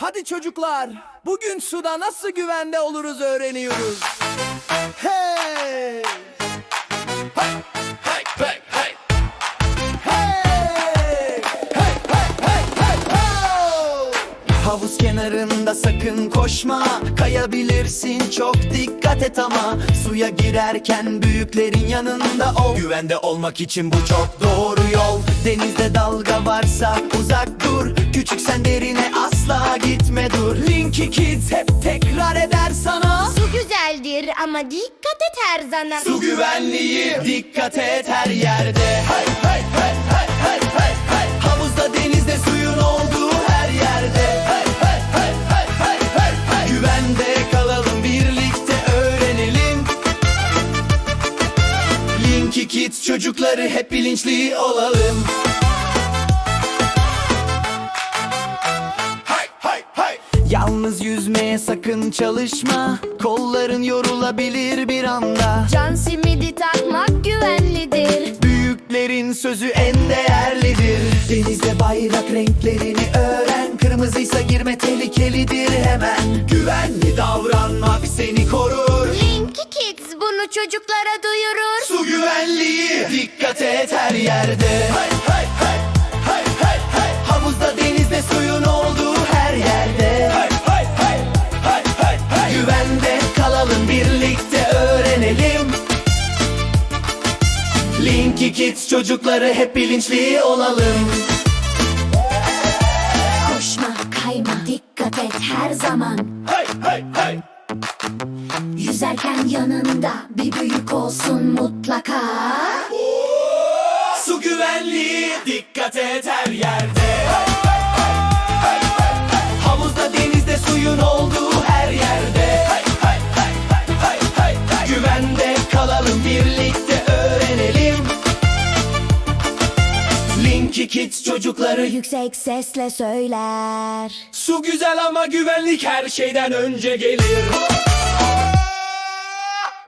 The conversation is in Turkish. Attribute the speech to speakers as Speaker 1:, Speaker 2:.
Speaker 1: Hadi çocuklar, bugün suda nasıl güvende oluruz öğreniyoruz. Hey! Hey! Hey! Hey! Hey! Hey! Hey! Hey! Hey! Hey! Havuz kenarında sakın koşma, kayabilirsin, çok dikkat et ama. Suya girerken büyüklerin yanında ol. Güvende olmak için bu çok doğru yol. Denizde dalga varsa uzak dur, küçüksen derine asla gitme dur. Linky Kids hep tekrar eder sana.
Speaker 2: Su güzeldir ama dikkat et her zaman.
Speaker 1: Su güvenliği, dikkat et her yerde. Hey hey hey hey hey hey hey. Havuzda, denizde, suyun olduğu her yerde. Hey hey hey hey hey hey hey. Güvende kalalım, birlikte öğrenelim. Linky Kids çocukları, hep bilinçli olalım. Yalnız yüzmeye sakın çalışma, kolların yorulabilir bir anda.
Speaker 2: Can simidi takmak güvenlidir.
Speaker 1: Büyüklerin sözü en değerlidir. Denizde bayrak renklerini öğren. Kırmızıysa girme, tehlikelidir hemen. Güvenli davranmak seni korur.
Speaker 2: Linky Kids bunu çocuklara duyurur.
Speaker 1: Su güvenliği, dikkat et her yerde. Hey hey hey hey hey hey. Havuzda, denizde, suyun olduğu her yerde. Hey hey hey hey hey hey. Güvende kalalım, birlikte öğrenelim. Linky Kids çocukları, hep bilinçli olalım.
Speaker 2: Koşma, kayma, dikkat et her zaman.
Speaker 1: Hey hey hey.
Speaker 2: Yüzerken yanında bir büyük olsun mutlaka.
Speaker 1: Su güvenliği, dikkat et her yerde. Havuzda, denizde, suyun olduğu her yerde. Güvende kalalım, birlikte öğrenelim. Linky Kids çocukları
Speaker 2: Yüksek sesle söyler.
Speaker 1: su güzel ama güvenlik her şeyden önce gelir.